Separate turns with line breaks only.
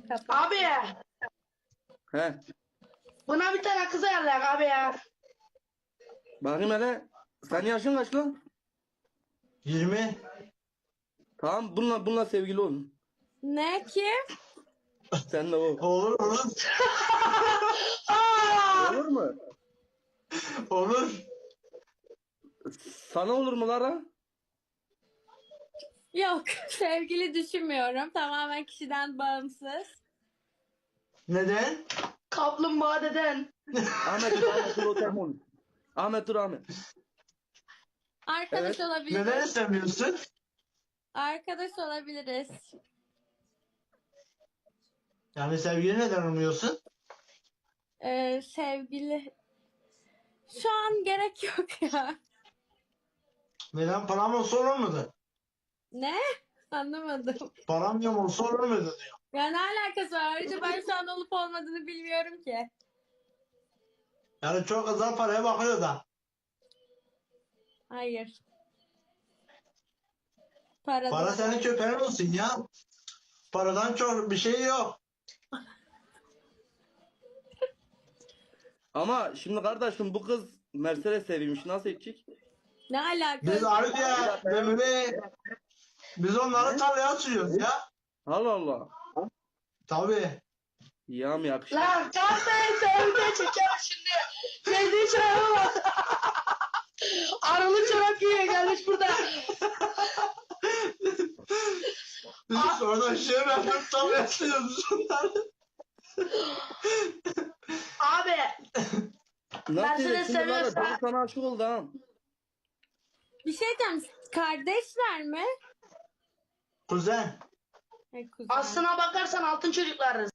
Kapat.
Abi
He.
buna bir tane kız ayarlayak abi ya.
Bakayım hele. Senin yaşın kaç lan?
20.
Tamam bununla sevgili olun.
Ne ki?
Sen de o.
Olur olur.
Aa!
Olur mu?
Olur.
Sana olur mu Lara?
Yok, sevgili düşünmüyorum. Tamamen kişiden bağımsız.
Neden?
Kaplumbağa deden.
Ahmet dur o telefon. Ahmet dur Ahmet.
Arkadaş
Evet.
olabiliriz.
Neden istemiyorsun?
Arkadaş olabiliriz.
Yani sevgili neden olmuyorsun?
Sevgili... Şu an gerek yok ya.
Neden param olsa olur muydu?
Ne? Anlamadım.
Param yok olsa olur muydu diyor.
Ya ne alakası var? Ayrıca ben şu an olup olmadığını bilmiyorum ki.
Yani çok kızlar paraya bakıyor da.
Hayır. Para
Para
değil.
senin köpeğin olsun ya. Paradan çok bir şey yok.
Ama şimdi kardeşim bu kız Mercedes sevmiş. Nasıl edecek?
Ne alakası?
Biz Arif'e, Memur'e, biz onları tarlaya açıyoruz ya.
Allah Allah.
Tabii.
Ya mı yakışık?
Lan kahveyi sevde çeker şimdi. Sevdiği çorabı bak. Arılı çorap giyiyor gelmiş burada.
Biz oradan şey verdim tarlaya açıyoruz onları.
Abi
Nasıl
Mercedes
edecek? Şimdi Lara
seviyorsa-
canım sana aşık oldu ha.
Bir şey diyeceğim. Kardeşler mi?
Kuzen.
Kuzen.
aslına bakarsan altın çocuklarız.